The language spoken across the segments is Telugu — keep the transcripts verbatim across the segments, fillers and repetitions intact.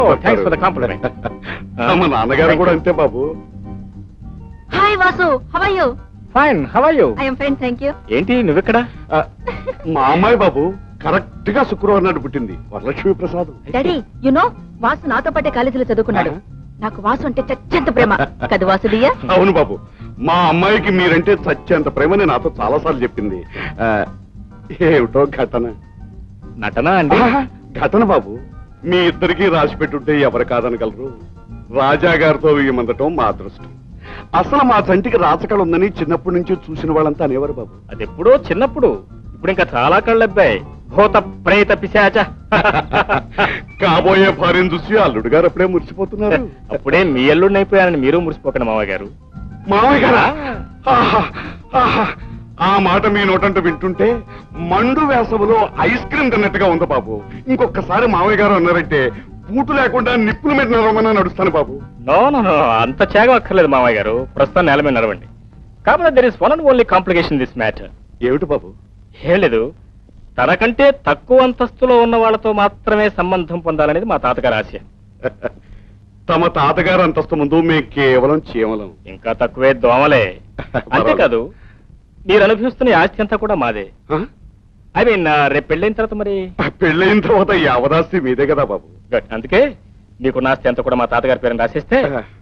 Thanks for the complement. మా నాన్నగారు కూడా అంతే బాబు. Hi Vasu, how are you? Fine, how are you? I am fine, thank you. ఏంటి నువ్వెక్కడ? మా అమ్మాయి బాబు కరెక్ట్ గా శుక్రవారం నాడు పుట్టింది, Varalakshmi Prasad. Daddy, you know Vasu నాతో పాటే కాలేజీలో చదువుకున్నాడు. నాకు వాసు అంటే చచ్చెంత ప్రేమ కదా వాసుడియా? అవును బాబు, మా అమ్మాయికి మీరంటే చచ్చేంత ప్రేమని నాతో చాలా సార్లు చెప్పింది. ఏమిటో ఘటన. నటన అండి? ఘటన బాబు, మీ ఇద్దరికి రాసి పెట్టుంటే ఎవరు కాదనగలరు. రాజా గారితో వేయమందటం మా అదృష్టం. అసలు మా చంటికి రాచకళ ఉందని చిన్నప్పటి నుంచి చూసిన వాళ్ళంతా అనేవారు బాబు. అది ఎప్పుడో చిన్నప్పుడు, ఇప్పుడు ఇంకా చాలా కళ్ళబ్బాయి. భూత ప్రేత పిశాచ. కాబోయే భార్యను చూసి అల్లుడు గారు అప్పుడే మురిసిపోతున్నారు. అప్పుడే మీ అల్లుడిని అయిపోయానని మీరు మురిసిపోకండి మావయ్య గారు. మావయ్య గారా? ఆహా, ఆహా. ఆ మాట మీ నోటంటూ వింటుంటే మండు వేసవిలో ఐస్ క్రీమ్ తిన్నట్టుగా ఉంది బాబు. ఇంకొకసారి మావయ్య గారు అన్నారంటే పూటు లేకుండా నిప్పుల మీద నడవమని నడుస్తాను బాబు. నో నో నో, అంత త్యాగం అక్కర్లేదు మావయ్య గారు. ప్రస్తుతం నేల మీద నడవండి. కాబట్టి there is one and only complication this matter. ఏమిటి బాబు? ఏం లేదు, తనకంటే తక్కువ అంతస్తులో ఉన్న వాళ్ళతో మాత్రమే సంబంధం పొందాలనేది మా తాతగారి ఆశ. తమ తాతగారు అంతస్తు ముందు మేము కేవలం చీమలం. ఇంకా తక్కువే దోమలే. అంతేకాదు, మీరు అనుభవిస్తున్న ఆస్తి అంతా కూడా మాదే. ఐ మీన్ రేపు పెళ్ళైన తర్వాత మరి? పెళ్ళైన తర్వాత యావదాస్తి మీదే కదా బాబు. అందుకే మీకు ఆస్తి అంతా కూడా మా తాతగారి పేరుని రాసేస్తే,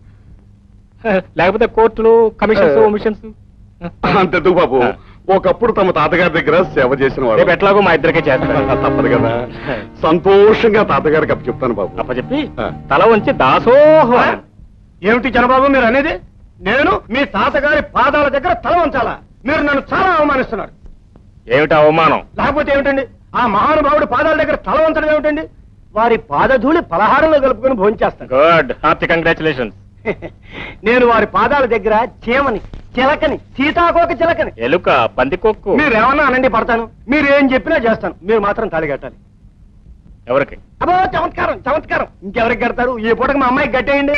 లేకపోతే కోర్టులు, కమిషన్స్, మిషన్స్ అంతెందుకు బాబు, ఒకప్పుడు తమ తాతగారి దగ్గర సేవ చేసిన వాడు. ఎట్లాగో మా ఇద్దరికే చేస్తారు, తప్పదు కదా. సంతోషంగా తాతగారికి అప్పు చెప్తాను బాబు. అప్ప చెప్పి తల వంచి దాసోహం. ఏమిటి చంద్రబాబు మీరు అనేది? నేను మీ తాతగారి పాదాల దగ్గర తల వంచాలా? మీరు నన్ను చాలా అవమానిస్తున్నారు. ఏమిటి అవమానం? లేకపోతే ఏమిటండి, ఆ మహానుభావుడి పాదాల దగ్గర తల వంచడం ఏమిటండి? వారి పాదధూళి పలహారంలో కలుపుకొని భోంచేస్తాను. Good, hearty congratulations. నేను వారి పాదాల దగ్గర చీమని, చిలకని, సీతాకోక చిలకని, ఎలుక, పందికొక్కు, మీరేమన్నా అనండి పడతాను. మీరు ఏం చెప్పినా చేస్తాను. మీరు మాత్రం తాళి కట్టాలి. ఎవరికి? అబ్బో చమత్కారం, చమత్కారం. ఇంకెవరికి కడతారు? ఈ పూటకి మా అమ్మాయికి కట్టేయండి.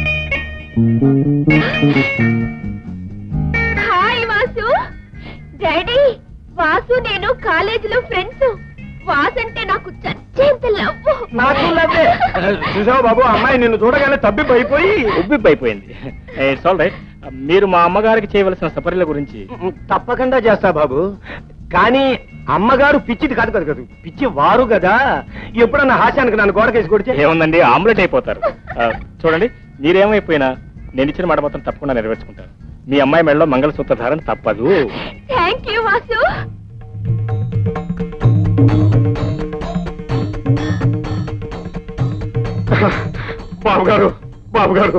హాయ్ వాసు. డాడీ, వాసు నేను కాలేజీలో ఫ్రెండ్స్. వాసు అంటే నాకు చచ్చేంత లవ్. నాకు లవ్వే. చూసావు బాబు, అమ్మాయి నిన్ను చూడగానే తబ్బిబ్బైపోయి ఉబ్బిబ్బైపోయింది. It's all right. మీరు మా అమ్మగారికి చేయవలసిన సపర్యల గురించి తప్పకుండా చేస్తా బాబు. కానీ అమ్మగారు పిచ్చిది కాదు కదా కదా పిచ్చి వారు కదా. ఎప్పుడన్నా హాస్యానికి నన్ను గోడకేసి కొడితే ఏముందండి, ఆమ్లెట్ అయిపోతారు. చూడండి, మీరేమైపోయినా నేను ఇచ్చిన మాట మాత్రం తప్పకుండా నెరవేర్చుకుంటాను. మీ అమ్మాయి మెడలో మంగళసూత్ర ధారణ తప్పదు. Thank you Vasu. బాబు గారు, బాబు గారు,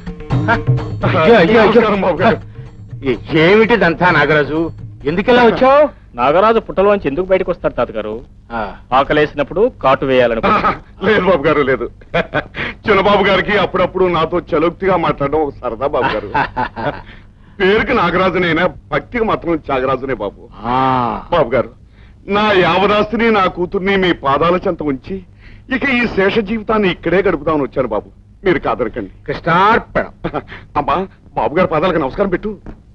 ఏమిటిదంతా నాగరాజు? ఎందుకెలా వచ్చావు? నాగరాజు పుట్టలోంచి ఎందుకు బయటకు వస్తాడు తాతగారు? ఆకలేసినప్పుడు కాటు వేయాలనుకో. లేదు బాబు గారు, లేదు. చిన్నబాబు గారికి అప్పుడప్పుడు నాతో చలోక్తిగా మాట్లాడడం ఒక సరదా బాబు గారు. పేరుకి నాగరాజునైనా భక్తికి మాత్రం త్యాగరాజునే బాబు. బాబు గారు, నా యావదాస్తిని, నా కూతుర్ని మీ పాదాల చెంత ఉంచి ఇక ఈ శేష జీవితాన్ని ఇక్కడే గడుపుదామని వచ్చాను బాబు. మీరు కాదనకండి. కృష్ణార్పణం. అమ్మా, బాబు గారి పాదాలకు నమస్కారం పెట్టు.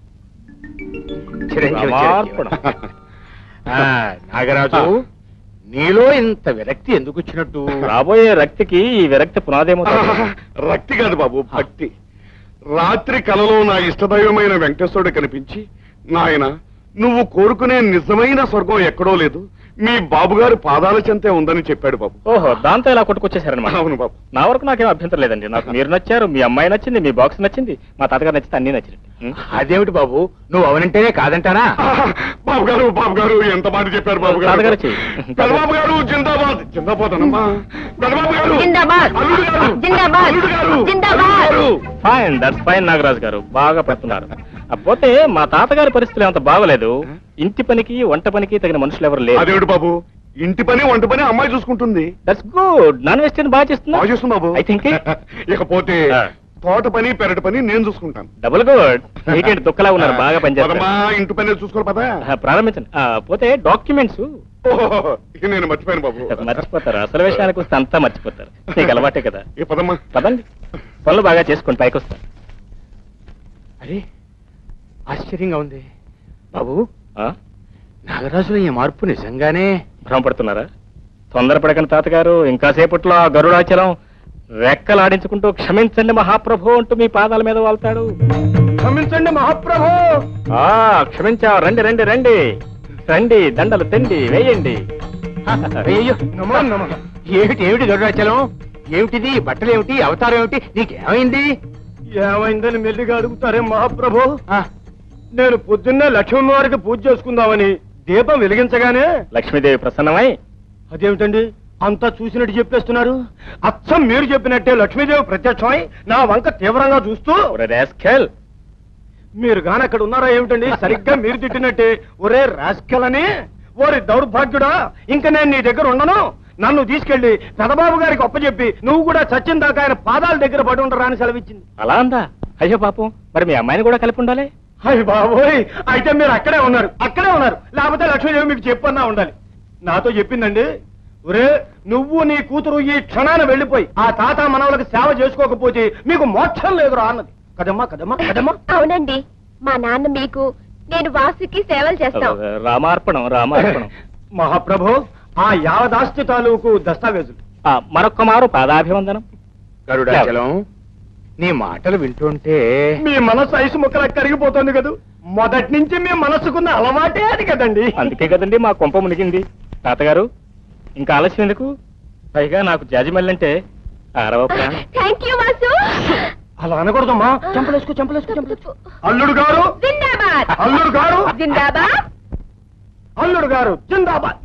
నాగరాజు, నీలో ఇంత విరక్తి ఎందుకు వచ్చినట్టు? రాబోయే రక్తికి ఈ విరక్తి పునాదేమో. రక్తి కాదు బాబు, భక్తి. రాత్రి కలలో నా ఇష్టదైవమైన వెంకటేశ్వరుడు కనిపించి, నాయన నువ్వు కోరుకునే నిజమైన స్వర్గం ఎక్కడో లేదు, మీ బాబు గారి పాదాల చెంతే ఉందని చెప్పాడు బాబు. ఓహో, దాంతో ఇలా కొట్టుకొచ్చేసారనమాట. అవును బాబు. నా వరకు నాకేం అభ్యంతరం లేదండి. నాకు మీరు నచ్చారు, మీ అమ్మాయి నచ్చింది, మీ బాక్స్ నచ్చింది, మా తాతగారు నచ్చితే అన్ని నచ్చింది. అదేమిటి బాబు, నువ్వు అవనంటేనే కాదంటానా? బాబు గారు, బాబు గారు ఎంత మాట చెప్పారు బాబు గారు. తాతగారు పెదబాబు గారు జిందాబాద్. జిందాబాద్ అనమ్మా. పెదబాబు గారు జిందాబాద్. అల్లుడు గారు జిందాబాద్. అల్లుడు గారు జిందాబాద్. ఫైన్, దట్స్ ఫైన్ నాగరాజు గారు, బాగా పడుతున్నారు. పోతే మా తాతగారి పరిస్థితులు అంత బాగలేదు. ఇంటి పనికి వంట పనికి తగిన మనుషులు ఎవరు లేరు. అదేమిటి బాబు, ఇంటి పని వంట పని అమ్మాయి చూసుకుంటుంది. That's good. నాన్ వెజిటేరియన్ బాగా చేస్తున్నా. బాగా చేస్తుంది బాబు. I think. ఇకపోతే తోట పని పెరటి పని నేను చూసుకుంటాను. Double good. మీకేంటి దుఃఖలా ఉన్నారు, బాగా పనిచేస్తారా? ఇంటి పని చూసుకోవాలి పదా. ప్రారంభించండి. పోతే డాక్యుమెంట్స్ ఇక నేను మర్చిపోయాను బాబు. మర్చిపోతారు, అసలు విషయానికి వస్తే అంతా మర్చిపోతారు. నీకు అలవాటే కదా. ఈ పదమ్మా. పదండి, పనులు బాగా చేసుకోండి, పైకి వస్తా. అరే, ఆశ్చర్యంగా ఉంది బాబు. నాగరాజులో ఈ మార్పు నిజంగానే భ్రమపడుతున్నారా? తొందరపడకండి తాతగారు, ఇంకా సేపట్లో ఆ గరుడాచలం రెక్కలాడించుకుంటూ క్షమించండి మహాప్రభు అంటూ మీ పాదాల మీద వాళ్తాడు. క్షమించండి మహాప్రభు. ఆ క్షమించా, రండి రండి రండి రండి, దండలు తెండి వేయండి. అయ్యో నమో నమో. ఏమిటి ఏమిటి గరుడాచలం, ఏమిటిది? బట్టలు ఏమిటి? అవతారం ఏమిటి? నీకేమైంది? ఏమైందని మెల్లిగా అడుగుతారే మహాప్రభు. నేను పొద్దున్నే లక్ష్మీ వారికి పూజ చేసుకుందామని దీపం వెలిగించగానే లక్ష్మీదేవి ప్రసన్నమై, అదేమిటండి అంతా చూసినట్టు చెప్పేస్తున్నారు? అచ్చం మీరు చెప్పినట్టే లక్ష్మీదేవి ప్రత్యక్షమై నా వంక తీవ్రంగా చూస్తూ, ఒరే రాస్కెల్, మీరు గాని అక్కడ ఉన్నారా ఏమిటండి? సరిగ్గా మీరు తిట్టినట్టే ఒరే రాస్కెల్ అని. ఓరి దౌర్భాగ్యుడా, ఇంక నేను నీ దగ్గర ఉండను. నన్ను తీసుకెళ్లి పెదబాబు గారికి అప్పచెప్పి నువ్వు కూడా చచ్చిన దాకా ఆయన పాదాల దగ్గర పడి ఉండరా అని సెలవిచ్చింది. అలా అందా? అయ్యో పాపం, మరి మీ అమ్మాయిని కూడా కలిపి ఉండాలి. అయ్య బాబోయ్, అయితే మీరు అక్కడే ఉన్నారు, అక్కడే ఉన్నారు. లేకపోతే లక్ష్మీదేవి మీకు చెప్పన్నా ఉండాలి. నాతో చెప్పిందండి, ఒరే నువ్వు నీ కూతురు ఈ క్షణాన వెళ్ళిపోయి ఆ తాత మనవలకు సేవ చేసుకోకపోతే మీకు మోక్షం లేదురా అన్నది. కదమ్మా కదమ్మా కదమ్మా. అవునండి, మా నాన్న మీకు, నేను వాసుకి సేవలు చేస్తాం. రామార్పణం రామార్పణం. మహాప్రభు, ఆ యావదాస్తి తాలూకు దస్తావేజులు. ఆ, మరొక్క మారు పాదాభివందనం. గరుడాచలం, నీ మాటలు వింటుంటే మీ మనసు ఐసు ముక్కలకు కరిగిపోతుంది కదూ. మొదటి నుంచి మీ మనసుకున్న అలవాటే అది కదండి. అందుకే కదండి మా కొంప మునిగింది. తాతగారు, ఇంకా ఆలస్యం ఎందుకు? పైగా నాకు జాజిమల్లంటే అరవ ప్రాణం. Thank you Vasu. అలా అనకూడదమ్మా. చంపలేసుకో చంపలేసుకో చంపలేసుకో. అల్లుడు గారు జిందాబాద్. అల్లుడు గారు జిందాబాద్. అల్లుడు గారు జిందాబాద్.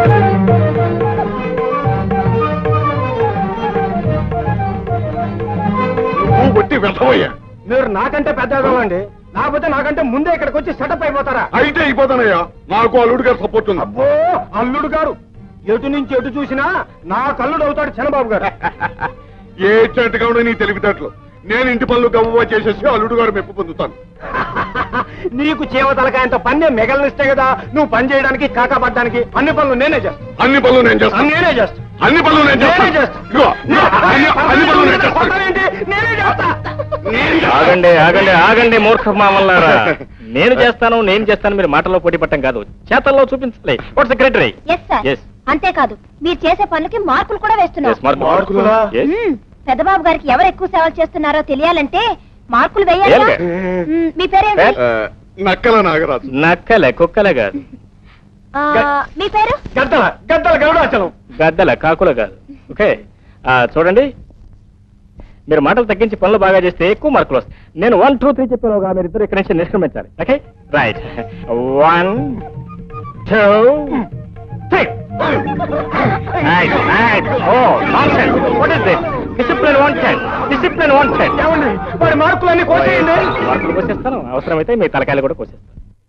నువ్వు కొట్టి వెళ్ళవయ్యా. మీరు నాకంటే పెద్దవాళ్ళండి, లేకపోతే నాకంటే ముందే ఇక్కడికి వచ్చి సెటప్ అయిపోతారా? అయితే అయిపోతానయ్యా, నాకు అల్లుడు గారు సపోర్ట్ ఉంది. అబ్బో, అల్లుడు గారు ఎటు నుంచి ఎటు చూసినా నా కల్లుడు అవుతాడు చంద్రబాబు గారు. ఏ చెట్టుగా ఉండే నీ తెలివితేటలు. నేను ఇంటి పనులు గవ్వ చేసేసి అల్లుడు గారు మెప్పు పొందుతాను. నీకు చేవ తలకాయంత పన్నే మిగలనిస్తే కదా నువ్వు పని చేయడానికి కాకాపడ్డానికి. అన్ని పనులు నేనే చేస్తాను. అన్ని పనులు నేను చేస్తాను. నేనే చేస్తాను. అన్ని పనులు నేను నేనే చేస్తాను. చేస్తాను. ఇదిగో, ఇదిగో, అన్ని అన్ని పనులు నేను చేస్తాను. కొడతావేంటి? నేనే చేస్తా. ఆగండి ఆగండి ఆగండి మూర్ఖ మామల్లారా. నేను చేస్తాను నేను చేస్తాను మీరు మాటల్లో పోటీ పట్టం కాదు, చేతల్లో చూపించాలి. What secretary? Yes sir. అంతేకాదు మీరు చేసే పనులకి మార్కులు కూడా వేస్తున్నారు. మార్కులా? మ్మ్. పెద్దబాబు గారికి ఎవరు ఎక్కువ సేవలు చేస్తున్నారో తెలియాలంటే మార్కులు వేయాలి. వేయాలి. మ్మ్. మీ పేరేంటి? ఆ, నక్కల నాగరాజు. నక్కలే కుక్కలే కాదు, ఆ, మీ పేరు? గద్దల గద్దల గరుడాచలం. గద్దల కాకుల కాదు. ఓకే, ఆ, చూడండి, మీరు మాటలు తగ్గించి పనులు బాగా చేస్తే ఎక్కువ మార్కులు వస్తాయి. నేను వన్ టూ త్రీ చెప్పేలోగా మీరు ఇద్దరు ఇక్కడి నుంచి నిష్క్రమించాలి. Okay right. One two three. Discipline wanted, discipline wanted. ఏమండి వాడి మార్కులన్నీ కోసేయండి. మార్కులు కోసేస్తాను, అవసరమైతే మీ తలకాయలు కూడా కోసేస్తాను.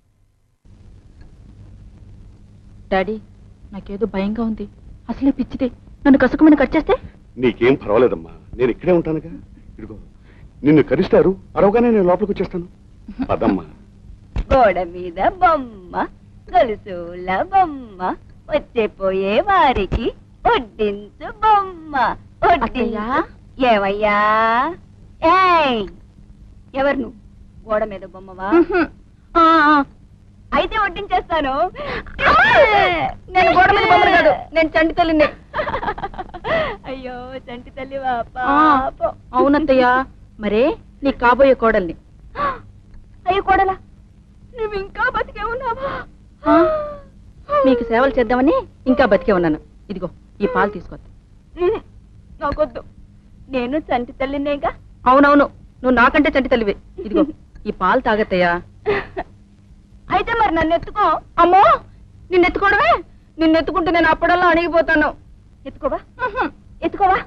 డాడీ, నాకేదో భయంగా ఉంది. అసలే పిచ్చిదే, నన్ను కసుకుమని కట్ చేస్తే? నీకేం పర్వాలేదమ్మా, నేను ఇక్కడే ఉంటానుగా. ఇదిగో నిన్ను కరిస్తారు, అరవగానే నేను లోపలికి వచ్చేస్తాను. పదమ్మా. గోడ మీద బొమ్మ, గొలుసుల బొమ్మ, వచ్చేపోయే వారికి వడ్డించు బొమ్మ. అత్తయ్యా? ఏమయ్యా? ఏయ్, ఎవరు నువ్వు? గోడ మీద బొమ్మవా? ఆ, ఆ. అయితే వడ్డించేస్తాను. నేను గోడ మీద బొమ్మను కాదు, నేను చంటి తల్లిని. అయ్యో చంటి తల్లివా పాపం. అవునత్తయ్యా, మరే నీ కాబోయే కోడల్ని. అయ్యో కోడలా, నువ్వు ఇంకా బతికే ఉన్నావా? ఆ, మీకు సేవలు చేద్దామని ఇంకా బతికే ఉన్నాను. ఇదిగో ఈ పాలు తీసుకోద్దు. ఉహు, నాకొద్దు, నేను చంటి తల్లినేగా. అవునవును, నువ్వు నాకంటే చంటి తల్లివే. ఇదిగో ఈ పాలు తాగత్తయ్యా. అయితే మరి నన్ను ఎత్తుకో. అమ్మో, నిన్ను ఎత్తుకోవడమే? నిన్ను ఎత్తుకుంటే నేను అప్పుడల్లా అణిగిపోతాను. ఎత్తుకోవా? ఉహు. ఎత్తుకోవా?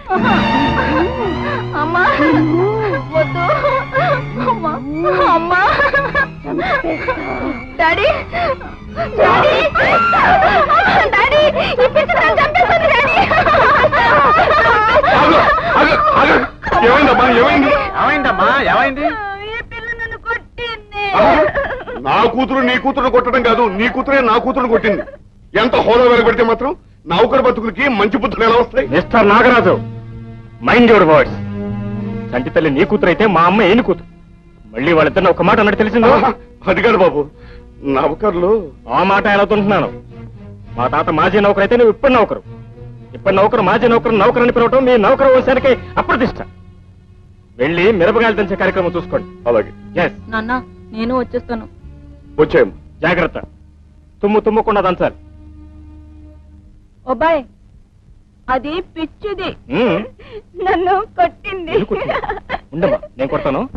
అమ్మా వద్దు. అమ్మా అమ్మా. డాడీ డాడీ డాడీ, ఈ పిచ్చి నన్ను చంపేస్తుంది డాడీ. ఆగు, ఆగు, ఆగు. ఏమైందమ్మా, ఏమైంది? ఏమైందమ్మా ఏమైంది? ఈ పిల్ల నన్ను కొట్టింది. నా కూతురు నీ కూతురు కొట్టడం కాదు, నీ కూతురే నా కూతురు కొట్టింది. ఎంత హోదా వెలగబెడితే మాత్రం నౌకరు బతుకులకి మంచి బుద్ధులు ఎలా వస్తాయి? Mister Nagaraju, mind your words. చంటి తల్లి నీ కూతురు అయితే మా అమ్మ ఏని కూతురు. మళ్ళీ వాళ్ళిద్దరిని ఒక మాట అన్నట్టు తెలిసిందో? అది కాదు బాబు, నౌకర్లు. ఆ మాట ఎలా తుంటున్నాను. మా తాత మాజీ నౌకరు అయితే నువ్వు ఇప్పుడు నౌకరు. ఇప్పుడు నౌకరు మాజీ నౌకరు నౌకరని పిలవటం మీ నౌకరు వంశానికి అప్రతిష్ట. వెళ్ళి మిరపకాయలు దంచే కార్యక్రమం చూసుకోండి. అలాగే. ఎస్. నాన్న నేను వచ్చేస్తాను. వచ్చాయమ్మా. జాగ్రత్త, తుమ్ము తుమ్మకుండా దంచాలి. ఓబాయ్ అది పిచ్చిది మ్మ్. నన్ను కొట్టింది ఎందుకు కొట్టింది? ఉండమ్మా నేను కొడతాను.